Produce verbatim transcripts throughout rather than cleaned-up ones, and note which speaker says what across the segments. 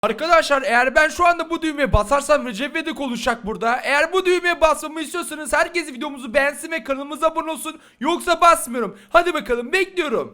Speaker 1: Arkadaşlar eğer ben şu anda bu düğmeye basarsam Recep İvedik olacak burada. Eğer bu düğmeye basmamı istiyorsanız herkes videomuzu beğensin ve kanalımıza abone olsun. Yoksa basmıyorum. Hadi bakalım, bekliyorum.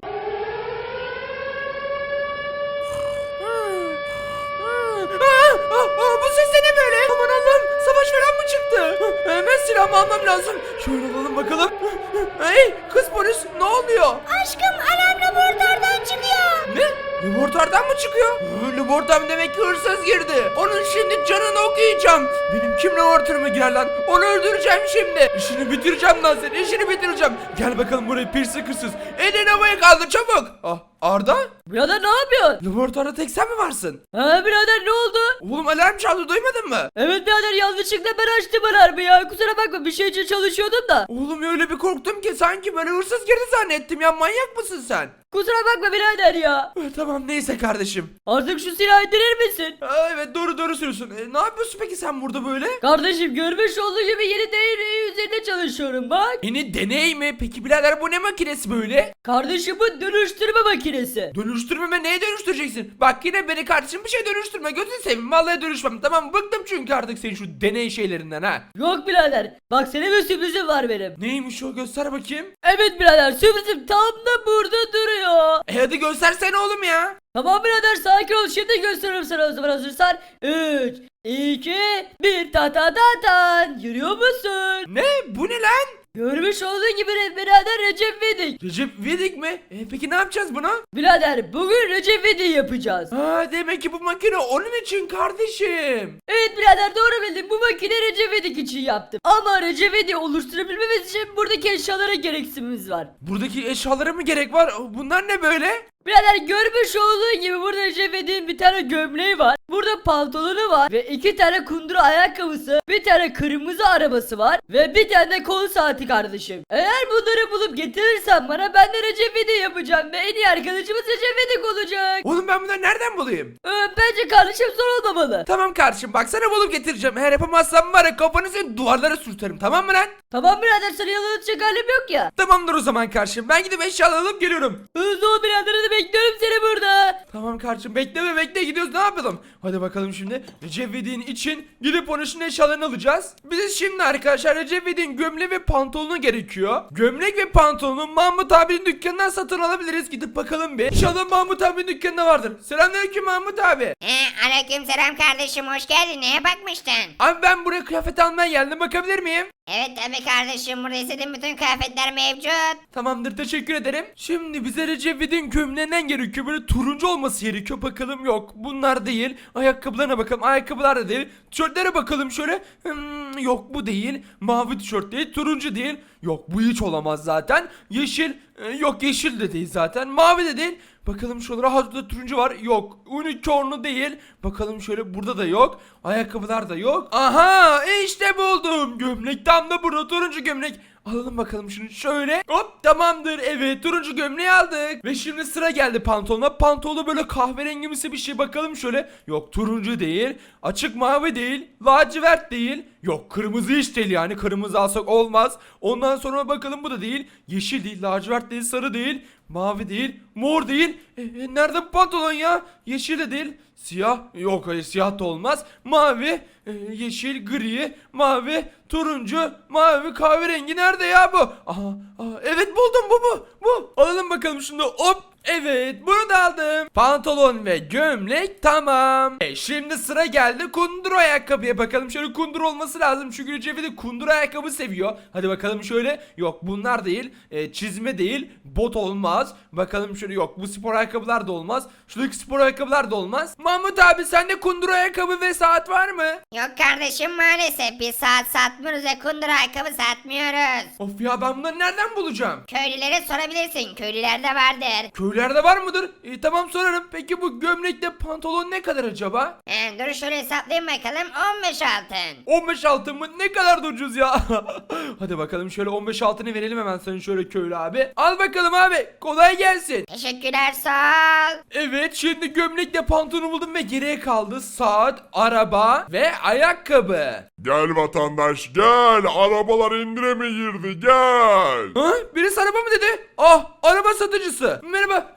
Speaker 1: Aa, aa, aa, bu ses de ne böyle? Aman Allah'ım, savaş falan mı çıktı? Hemen silahımı almam lazım. Şöyle alalım bakalım. Hey kız polis, ne oluyor?
Speaker 2: Aşkım, alarm laboratuvardan çıkıyor.
Speaker 1: Ne? Laboratuvardan mı çıkıyor? Ee, laboratuvar demek ki hırsız girdi. Onun şimdi canını okuyacağım. Benim kim laboratuvarıma girer lan? Onu öldüreceğim şimdi. İşini bitireceğim lan senin. İşini bitireceğim. Gel bakalım buraya pirsi hırsız. Elini havaya kaldır çabuk. Ah, Arda?
Speaker 3: Birader ne yapıyorsun?
Speaker 1: Laboratuvarda tek sen mi varsın?
Speaker 3: Ha birader ne oldu?
Speaker 1: Oğlum alarm çaldı, duymadın mı?
Speaker 3: Evet birader, yanlışlıkla ben açtım alarmı ya. Kusura bakma, bir şey için çalışıyordum da.
Speaker 1: Oğlum öyle bir korktum ki sanki böyle hırsız girdi zannettim ya, manyak mısın sen?
Speaker 3: Kusura bakma birader ya.
Speaker 1: Eh, Tamam neyse kardeşim.
Speaker 3: Artık şu silahı indirir misin?
Speaker 1: Aa, evet doğru doğru söylüyorsun. E, ne yapıyorsun peki sen burada böyle?
Speaker 3: Kardeşim, görmüş olduğu gibi yeni deney üzerinde çalışıyorum bak.
Speaker 1: Yeni deney mi? Peki birader bu ne makinesi böyle?
Speaker 3: Kardeşim, bu dönüştürme makinesi.
Speaker 1: Dönüştürmeme neye dönüştüreceksin? Bak yine beni kardeşim bir şey dönüştürme. Gözünü seveyim, vallahi dönüşmem. Tamam, bıktım çünkü artık senin şu deney şeylerinden ha.
Speaker 3: Yok birader, bak sana bir sürprizim var benim.
Speaker 1: Neymiş o, göster bakayım.
Speaker 3: Evet birader, sürprizim tam da burada duruyor.
Speaker 1: E hadi göstersene oğlum ya.
Speaker 3: Tamam birader, sakin ol, şimdi gösteririm sana o zaman, hazırsan. üç, iki, bir, ta ta ta tan. Yürüyor musun?
Speaker 1: Ne? Bu ne lan?
Speaker 3: Görmüş olduğun gibi birader, Recep İvedik.
Speaker 1: Recep İvedik mi? E peki ne yapacağız buna?
Speaker 3: Birader, bugün Recep İvedik'i yapacağız.
Speaker 1: Ha, demek ki bu makine onun için kardeşim.
Speaker 3: Evet birader, doğru bildin, bu makine Recep İvedik için yaptım. Ama Recep İvedik'i oluşturabilmemiz için buradaki eşyalara gereksinimiz var.
Speaker 1: Buradaki eşyalara mı gerek var? Bunlar ne böyle?
Speaker 3: Birader, görmüş olduğun gibi burada Recep İvedik'in bir tane gömleği var. Burada pantolonu var ve iki tane kundura ayakkabısı, bir tane kırmızı arabası var ve bir tane de kol saati kardeşim. Eğer bunları bulup getirirsen bana, ben de Recep İvedik yapacağım ve en iyi arkadaşımız Recep İvedik olacak.
Speaker 1: Oğlum ben bunları nereden bulayım?
Speaker 3: Ee, bence kardeşim zor olmamalı.
Speaker 1: Tamam kardeşim, bak sana bulup getireceğim. Eğer yapamazsam var ya, kafanı senin duvarlara sürterim, tamam mı lan?
Speaker 3: Tamam birader, sana yalan atacak halim yok ya.
Speaker 1: Tamamdır o zaman kardeşim, ben gidip eşyaları alıp geliyorum.
Speaker 3: Hızlı ol birader, hadi bekliyorum seni burada.
Speaker 1: Tamam kardeşim, bekleme bekle, gidiyoruz, ne yapalım? Hadi bakalım şimdi Recep İvedik'in için gidip onun için eşyalarını alacağız. Bize şimdi arkadaşlar Recep İvedik'in gömleği ve pantolonu gerekiyor. Gömlek ve pantolonu Mahmut abinin dükkanından satın alabiliriz. Gidip bakalım bir. İnşallah Mahmut abinin dükkanında vardır. Selamünaleyküm Mahmut abi.
Speaker 2: He, aleykümselam kardeşim, hoş geldin. Neye bakmıştın?
Speaker 1: Abi ben buraya kıyafet almaya geldim, bakabilir miyim?
Speaker 2: Evet tabii kardeşim, burada istediğin bütün kıyafetler mevcut.
Speaker 1: Tamamdır, teşekkür ederim. Şimdi bize Recep İvedik'in gömleğinden gerekiyor. Böyle turuncu olması gerekiyor. Bakalım, yok bunlar değil. Ayakkabılarına bakalım, ayakkabılar da değil. Tişörtlere bakalım şöyle. Hmm, yok bu değil. Mavi tişört değil, turuncu değil. Yok bu hiç olamaz zaten. Yeşil, e, yok yeşil de değil zaten. Mavi de değil. Bakalım şuralara, hazırda turuncu var, yok. Unicorn'u değil. Bakalım şöyle, burada da yok. Ayakkabılar da yok. Aha, işte buldum. Gömlek tam da burada, turuncu gömlek. Alalım bakalım şunu şöyle. Hop, tamamdır. Evet, turuncu gömleği aldık. Ve şimdi sıra geldi pantolona. Pantolonu böyle kahverengimsi bir şey, bakalım şöyle. Yok turuncu değil. Açık mavi değil. Lacivert değil. Yok kırmızı hiç değil, yani kırmızı alsak olmaz. Ondan sonra bakalım, bu da değil. Yeşil değil, lacivert değil, sarı değil. Mavi değil, mor değil. E, e, nerede bu pantolon ya? Yeşil de değil. Siyah, yok hayır siyah da olmaz. Mavi, e, yeşil, gri, mavi, turuncu, mavi, kahverengi nerede ya bu? Aha, aha, evet buldum, bu bu bu. Alalım bakalım şunu, hop. Evet, bunu da aldım. Pantolon ve gömlek tamam. E şimdi sıra geldi kundura ayakkabıya, bakalım şöyle kundura olması lazım. Çünkü Recep İvedik kundura ayakkabı seviyor. Hadi bakalım şöyle. Yok bunlar değil. E, çizme değil. Bot olmaz. Bakalım şöyle, yok bu spor ayakkabılar da olmaz. Şuradaki spor ayakkabılar da olmaz. Mahmut abi sende kundura ayakkabı ve saat var mı?
Speaker 2: Yok kardeşim, maalesef biz saat satmıyoruz ve kundura ayakkabı satmıyoruz.
Speaker 1: Of ya, ben bunları nereden bulacağım?
Speaker 2: Köylülere sorabilirsin, köylülerde vardır.
Speaker 1: Köylerde var mıdır? E, tamam sorarım. Peki bu gömlekle pantolon ne kadar acaba?
Speaker 2: He, dur şöyle hesaplayayım bakalım, on beş altın.
Speaker 1: on beş altın mı? Ne kadar da ucuz ya. Hadi bakalım şöyle on beş altını verelim hemen sana şöyle köylü abi. Al bakalım abi. Kolay gelsin.
Speaker 2: Teşekkürler, sağ ol.
Speaker 1: Evet, şimdi gömlekle pantolonu buldum ve geriye kaldı saat, araba ve ayakkabı.
Speaker 4: Gel vatandaş gel, arabalar indirime girdi gel.
Speaker 1: Ha? Birisi araba mı dedi? Ah, araba satıcısı. Merhaba,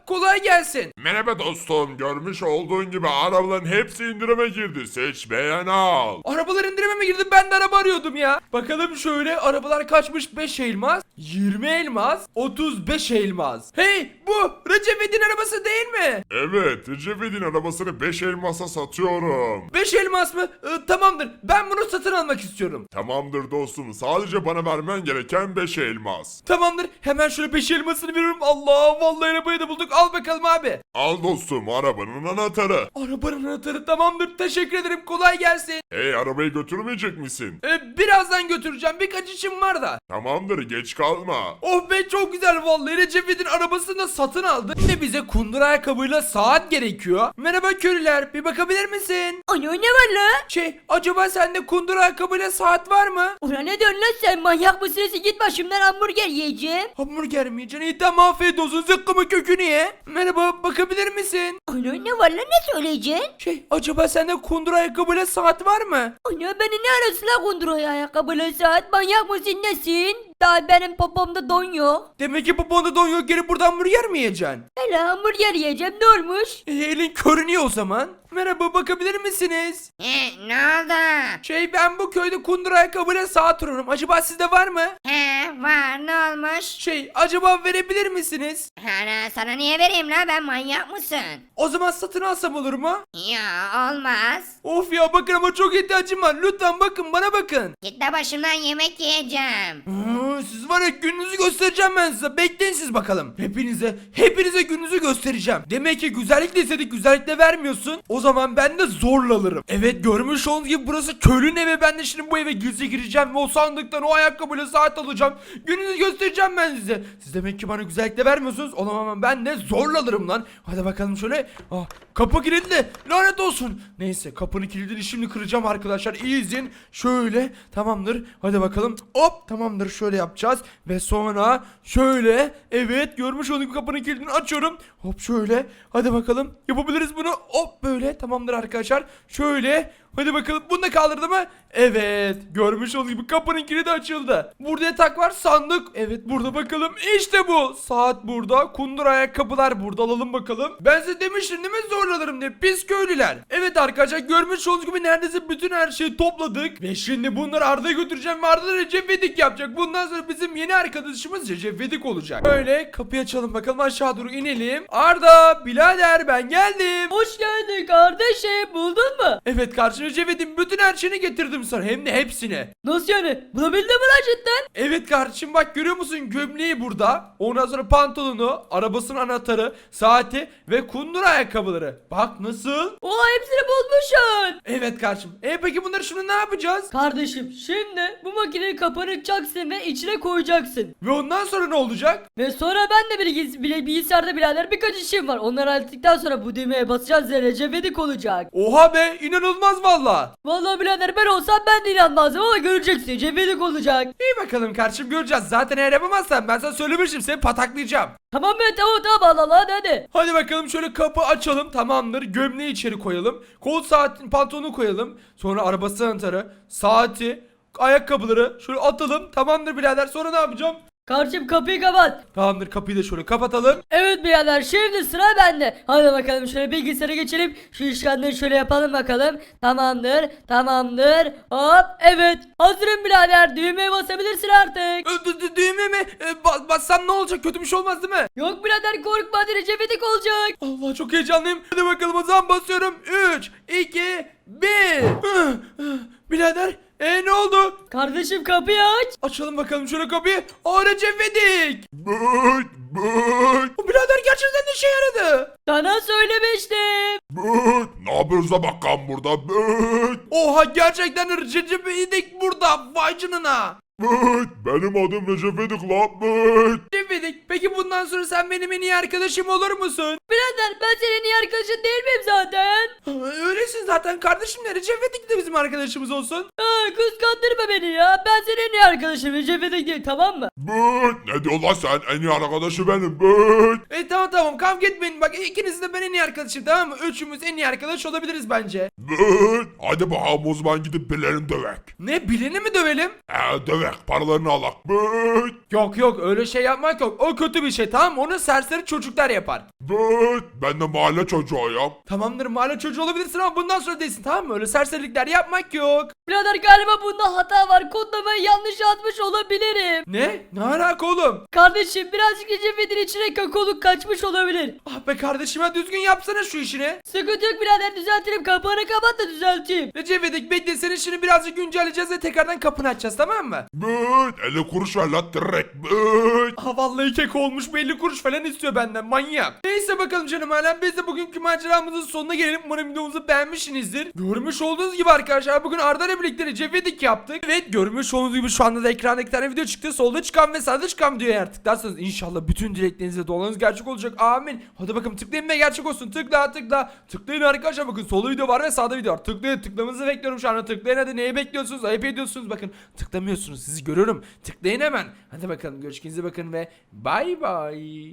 Speaker 1: Kolay gelsin.
Speaker 4: Merhaba dostum. Görmüş olduğun gibi arabaların hepsi indirime girdi. Seç beğen al.
Speaker 1: Arabalar indirime mi girdi? Ben de araba arıyordum ya. Bakalım şöyle arabalar kaçmış? beş elmas, yirmi elmas, otuz beş elmas. Hey, bu Recep İvedik'in arabası değil mi?
Speaker 4: Evet, Recep İvedik'in arabasını beş elmasa satıyorum.
Speaker 1: beş elmas mı? Ee, tamamdır. Ben bunu satın almak istiyorum.
Speaker 4: Tamamdır dostum. Sadece bana vermen gereken beş elmas.
Speaker 1: Tamamdır. Hemen şöyle beş elmasını veriyorum. Allah, vallahi arabayı da bulduk. Al bakalım abi.
Speaker 4: Al dostum, arabanın anahtarı.
Speaker 1: Arabanın anahtarı tamamdır. Teşekkür ederim. Kolay gelsin.
Speaker 4: Hey, arabayı götürmeyecek misin?
Speaker 1: Ee, birazdan götüreceğim. Birkaç işim var da.
Speaker 4: Tamamdır, geç kalma.
Speaker 1: Oh be, çok güzel vallahi. Recep İvedik'in arabasını da satın aldı. Şimdi bize kundur ayakkabıyla saat gerekiyor. Merhaba köylüler, bir bakabilir misin?
Speaker 3: Ana ne var la?
Speaker 1: Şey, acaba sende kundur ayakkabıyla saat var mı?
Speaker 3: Ona ne diyorsun lan sen, manyak mısın? Git başımdan, hamburger yiyeceğim.
Speaker 1: Hamburger mi yiyeceksin? İyi tamam, afiyet olsun, zıkkımı kökünü ye. Merhaba, bakabilir misin?
Speaker 3: Ana ne var lan, ne söyleyeceksin?
Speaker 1: Şey, acaba sende kundur ayakkabıyla saat var mı?
Speaker 3: Ana beni ne arasın la kunduruyor ayakkabılı saat, manyak mısın nesin? Daha benim popomda don yok.
Speaker 1: Demek ki babanda don yok, gelip buradan hamburger mi yiyeceksin?
Speaker 3: Hele hamburger yiyeceğim, ne olmuş?
Speaker 1: E, elin körünüyor o zaman. Merhaba, bakabilir misiniz?
Speaker 2: He, ne oldu?
Speaker 1: Şey, ben bu köyde kundur ayakkabıyla saat arıyorum. Acaba sizde var mı?
Speaker 2: He, var, ne olmuş?
Speaker 1: Şey, acaba verebilir misiniz?
Speaker 2: Ana, sana niye vereyim la, ben manyak mısın?
Speaker 1: O zaman satın alsam olur mu?
Speaker 2: Ya olmaz.
Speaker 1: Of ya, bakın ama çok ihtiyacım var. Lütfen bakın, bana bakın.
Speaker 2: Git de başımdan yemek yiyeceğim.
Speaker 1: Hmm, siz var ya, gününüzü göstereceğim ben size. Bekleyin siz bakalım. Hepinize, hepinize gününüzü göstereceğim. Demek ki güzellikle istedik, güzellikle vermiyorsun. O zaman ben de zorla alırım. Evet, görmüş olduğunuz gibi burası köylünün evi. Ben de şimdi bu eve gizli gireceğim ve o sandıktan o ayakkabıyla saat alacağım. Gününüzü göstereceğim ben size. Siz demek ki bana güzellikle vermiyorsunuz. O zaman ben de zorla alırım lan. Hadi bakalım şöyle. Ah, kapı kilitli. Lanet olsun. Neyse, kapının kilidini şimdi kıracağım arkadaşlar. İyi izleyin. Şöyle, tamamdır. Hadi bakalım. Hop, tamamdır. Şöyle yapacağız. Ve sonra şöyle. Evet, görmüş olduğunuz gibi kapının kilidini açıyorum. Hop, şöyle. Hadi bakalım. Yapabiliriz bunu. Hop, böyle. Tamamdır arkadaşlar. Şöyle. Hadi bakalım, bunu da kaldırdı mı? Evet, görmüş olduğunuz gibi kapının kilidi açıldı. Burada yatak var, sandık. Evet, burada bakalım, işte bu. Saat burada, kundur ayakkabılar burada, alalım bakalım. Ben size demiştim değil mi, zorlanırım diye, pis köylüler. Evet arkadaşlar, görmüş olduğunuz gibi neredeyse bütün her şeyi topladık. Ve şimdi bunları Arda'ya götüreceğim ve Arda da Recep İvedik yapacak. Bundan sonra bizim yeni arkadaşımız Recep İvedik olacak. Böyle kapıyı açalım bakalım, aşağı doğru inelim. Arda, birader, ben geldim.
Speaker 3: Hoş geldin kardeşim, buldun mu?
Speaker 1: Evet kardeşim, Recep İvedik'in bütün her şeyini getirdim sana, hem de hepsini.
Speaker 3: Nasıl yani? Bulabildin mi lan cidden?
Speaker 1: Evet kardeşim, bak görüyor musun, gömleği burada. Ondan sonra pantolonu, arabasının anahtarı, saati ve kundur ayakkabıları. Bak nasıl?
Speaker 3: Oha, hepsini bulmuşsun.
Speaker 1: Evet kardeşim. E peki bunları şimdi ne yapacağız?
Speaker 3: Kardeşim şimdi bu makineyi kapatacaksın ve içine koyacaksın.
Speaker 1: Ve ondan sonra ne olacak?
Speaker 3: Ve sonra ben de bilgis bile bilgisayarda birader birkaç işim var. Onları hallettikten sonra bu düğmeye basacağız ve Recep İvedik olacak.
Speaker 1: Oha be, inanılmaz valla.
Speaker 3: Vallahi birader, ben olsam ben de inanmazdım ama göreceksin, Recep İvedik olacak.
Speaker 1: İyi bakalım kardeşim, göreceğiz. Zaten eğer yapamazsan ben sana söylemiştim, seni pataklayacağım.
Speaker 3: Tamam be, tamam tamam, Allah Allah, hadi hadi.
Speaker 1: Hadi bakalım, şöyle kapı açalım, tamamdır. Gömleği içeri koyalım. Kol saatin pantolonu koyalım. Sonra arabası anahtarı, saati, ayakkabıları şöyle atalım. Tamamdır birader, sonra ne yapacağım?
Speaker 3: Kardeşim kapıyı kapat.
Speaker 1: Tamamdır, kapıyı da şöyle kapatalım.
Speaker 3: Evet birader, şimdi sıra bende. Hadi bakalım şöyle bilgisayara geçelim. Şu işlemleri şöyle yapalım bakalım. Tamamdır, tamamdır. Hop, evet. Hazırım birader. Düğmeye basabilirsin artık.
Speaker 1: Ö, dü- dü- Düğme mi? E, ba- bassam ne olacak? Kötü bir şey olmaz değil mi?
Speaker 3: Yok birader, korkma, hadi Recep İvedik olacak.
Speaker 1: Allah, çok heyecanlıyım. Hadi bakalım, o zaman basıyorum. üç, iki, bir. Birader, e ne oldu?
Speaker 3: Kardeşim kapıyı aç.
Speaker 1: Açalım bakalım şöyle kapıyı. Aa, Recep İvedik.
Speaker 4: Büt büt
Speaker 1: O birader gerçekten de işe yaradı.
Speaker 3: Sana söylemiştim.
Speaker 4: büt. Ne yapıyoruz da bakalım burada? Büt
Speaker 1: Oha, gerçekten de Recep İvedik burada. Vay canına.
Speaker 4: büt. Benim adım Recep İvedik lan, büt.
Speaker 1: Recep İvedik, peki bundan sonra sen benim en iyi arkadaşım olur musun?
Speaker 3: Birader, ben senin iyi arkadaşın değil miyim zaten?
Speaker 1: Aa, öylesin zaten kardeşim, de Recep İvedik de bizim arkadaşımız olsun.
Speaker 3: Ha, kıskandırma beni ya. Ben senin en iyi arkadaşım, Recep İvedik değil, tamam mı?
Speaker 4: Büt. Ne diyor lan sen? En iyi arkadaşı benim, büt.
Speaker 1: E tamam tamam, kavga etmeyin, bak ikiniz de ben en iyi arkadaşım, tamam mı? Üçümüz en iyi arkadaş olabiliriz bence.
Speaker 4: Büt. Hadi bakalım, o zaman gidip birilerini dövek.
Speaker 1: Ne, bileni mi dövelim?
Speaker 4: He, dövek. direkt paralarını alak. Büt.
Speaker 1: Yok yok öyle şey yapmak yok. O kötü bir şey, tamam mı? Onu serseri çocuklar yapar.
Speaker 4: Büt. Ben de mahalle çocuğuyum.
Speaker 1: Tamamdır, mahalle çocuğu olabilirsin ama bundan sonra değilsin, tamam mı? Öyle serserilikler yapmak yok.
Speaker 3: Birader galiba bunda hata var. Kodlamayı yanlış yazmış olabilirim.
Speaker 1: Ne? Ne alaka oğlum?
Speaker 3: Kardeşim birazcık Recep'in içine kakaoluk kaçmış olabilir.
Speaker 1: Ah be kardeşim ya, düzgün yapsana şu işini.
Speaker 3: Sıkıntı yok birader, düzeltirim. Kapağını kapat da düzelteyim.
Speaker 1: Recep İvedik bekle, senin işini birazcık güncelleyeceğiz ve tekrardan kapını açacağız, tamam mı?
Speaker 4: Büt. elli kuruş ver lan direkt. Büt.
Speaker 1: Ah vallahi kek olmuş, belli kuruş falan istiyor benden, manyak. Neyse bakalım canım alem, biz de bugünkü maceramızın sonuna gelelim. Umarım videomuzu beğenmişsinizdir. Görmüş olduğunuz gibi arkadaşlar, bugün Arda ile birlikte Recep İvedik yaptık. Evet, görmüş olduğunuz gibi şu anda da ekranda iki tane video çıktı. Solda çıkan ve sağda çıkan videoya eğer tıklarsanız inşallah bütün dileklerinize dualarınız gerçek olacak. Amin. Hadi bakalım tıklayın ve gerçek olsun. Tıkla tıkla. Tıklayın arkadaşlar, bakın solda video var ve sağda video var. Tıklayın, tıklamanızı bekliyorum şu anda. Tıklayın hadi, neyi bekliyorsunuz? Ayıp ediyorsunuz, bakın tıklamıyorsunuz, sizi görüyorum. Tıklayın hemen. Hadi bakalım, görüşürüz, bakın ve bay bay.